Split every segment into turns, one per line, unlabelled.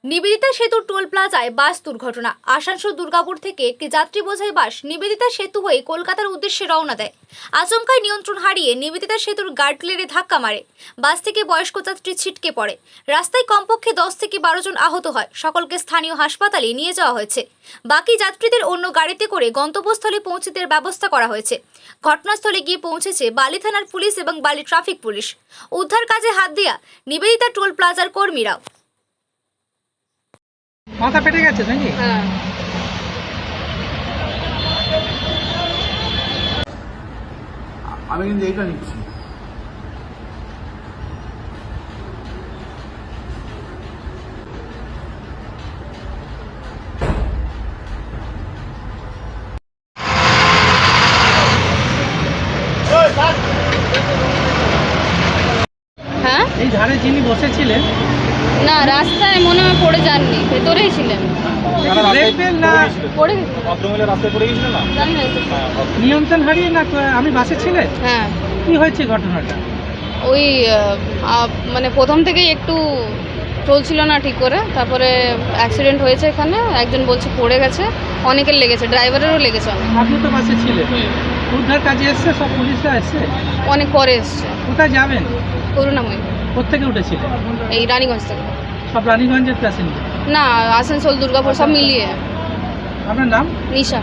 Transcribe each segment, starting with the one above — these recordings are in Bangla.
নিবেদিতা সেতুর টোল প্লাজায় বাস দুর্ঘটনা। আসানসোল দুর্গাপুর থেকে একটি যাত্রী বোঝাই বাস নিবেদিতা সেতু হয়ে কলকাতার উদ্দেশ্যে রওনা দেয়। আচমকায় নিয়ন্ত্রণ হারিয়ে নিবেদিতা সেতুর গার্ডরেলে ধাক্কা মারে। বাস থেকে বয়স্ক যাত্রী ছিটকে পড়ে। রাস্তায় কমপক্ষে 10 থেকে 12 জন আহত হয়। সকলকে স্থানীয় হাসপাতালে নিয়ে যাওয়া হয়েছে। বাকি যাত্রীদের অন্য গাড়িতে করে গন্তব্যস্থলে পৌঁছে দেওয়ার ব্যবস্থা করা হয়েছে। ঘটনাস্থলে গিয়ে পৌঁছেছে বালি থানার পুলিশ এবং বালি ট্রাফিক পুলিশ। উদ্ধার কাজে হাত দেয়া নিবেদিতা টোল প্লাজার কর্মীরা।
মাথা পেটে গেছে নাকি?
হ্যাঁ,
আমি কিন্তু এইটা নিচ্ছি।
হ্যাঁ,
এই ধারে যিনি বসেছিলেন
না রাস্তায় মনে হয় পড়ে যাননি, ভেতরেই ছিলেন।
দেখবেন না
পড়ে
রাস্তায় পড়ে গেছিল না?
জানি না তো।
নিয়ন্ত্রণ হারিয়ে না আমি বাসে ছিলেন?
হ্যাঁ,
কি হয়েছে ঘটনাটা?
ওই মানে প্রথম থেকেই একটু চলছিল না ঠিক করে, তারপরে অ্যাক্সিডেন্ট হয়েছে। এখানে একজন বলছে পড়ে গেছে, অনেকের লেগেছে, ড্রাইভারেরও লেগেছে অনেক।
আপনি তো বাসে ছিলেন, উদ্ধার কাজে এসছে, সব পুলিশরা এসছে।
অনেক পরে এসছে।
কোথায় যাবেন?
করুণাময়ী,
কোথেকে উঠেছিলেন?
এই রানীগঞ্জ থেকে।
সব রানীগঞ্জের প্যাসেঞ্জার?
না, আসানসোল দুর্গাপুর সব মিলিয়ে।
আপনার নাম?
নিশা।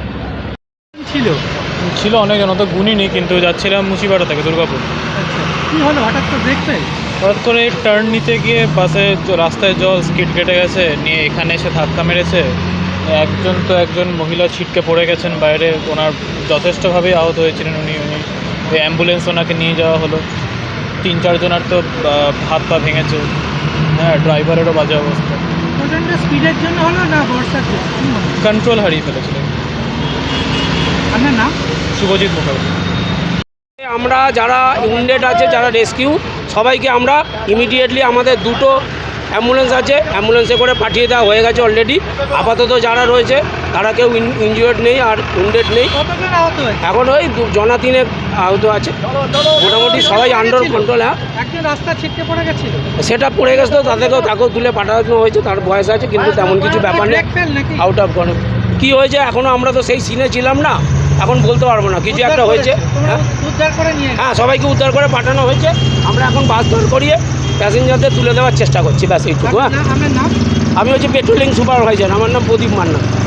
ছিল
অনেকজন, অত গুণিনি, কিন্তু যাচ্ছিলাম মুচিপাড়া থেকে দুর্গাপুর।
আচ্ছা, কি হলো হঠাৎ করে দেখতে?
হঠাৎ করে টার্ন নিতে গিয়ে বাসে রাস্তায় জল স্কিড কেটে গেছে, নিয়ে এখানে এসে ধাক্কা মেরেছে। একজন মহিলা ছিটকে পড়ে গেছেন বাইরে, ওনার যথেষ্টভাবেই আহত হয়েছিলেন উনি। ওই অ্যাম্বুলেন্স ওনাকে নিয়ে যাওয়া হলো। 3-4 জনের তো হাত পা ভেঙেছে। হ্যাঁ, ড্রাইভারেরও বাজে অবস্থা।
প্রচণ্ড স্পিডের জন্য হলো না বর্ষার জন্য?
কন্ট্রোল হারিয়ে ফেলেছিলেন।
আপনার নাম?
শুভজিৎ মুখার্জি।
আমরা যারা ইউনিট আছে, যারা রেস্কিউ, সবাইকে আমরা ইমিডিয়েটলি আমাদের দুটো অ্যাম্বুলেন্স আছে, অ্যাম্বুলেন্সে করে পাঠিয়ে দেওয়া হয়ে গেছে অলরেডি। আপাতত যারা রয়েছে তারা কেউ ইনজিওর্ড নেই আর উন্ডেড নেই।
কতজন আহত হয়েছে?
এখন ওই জনা 3 আহত আছে, মোটামুটি সবাই আন্ডার কন্ট্রোল। হ্যাঁ,
একজন রাস্তা ছিটকে পড়ে গেছিল,
সেটা পড়ে গেছে, তো তাকেও তুলে পাঠানো হয়েছে, তার বয়স আছে, কিন্তু তেমন কিছু ব্যাপার নেই। আউট অফ কন্ট্রোল কী হয়েছে এখনও আমরা তো সেই সিনে ছিলাম না, এখন বলতে পারবো না। কিছু একটা হয়েছে। হ্যাঁ,
উদ্ধার করে নিয়ে
হ্যাঁ, সবাইকে উদ্ধার করে পাঠানো হয়েছে। আমরা এখন বাস ধর করিয়ে প্যাসেঞ্জারদের তুলে দেওয়ার চেষ্টা করছি, ব্যাস এইটুকু। হ্যাঁ,
আপনার নাম?
আমি হচ্ছে পেট্রোলিং সুপারভাইজার, আমার নাম প্রদীপ মান্না।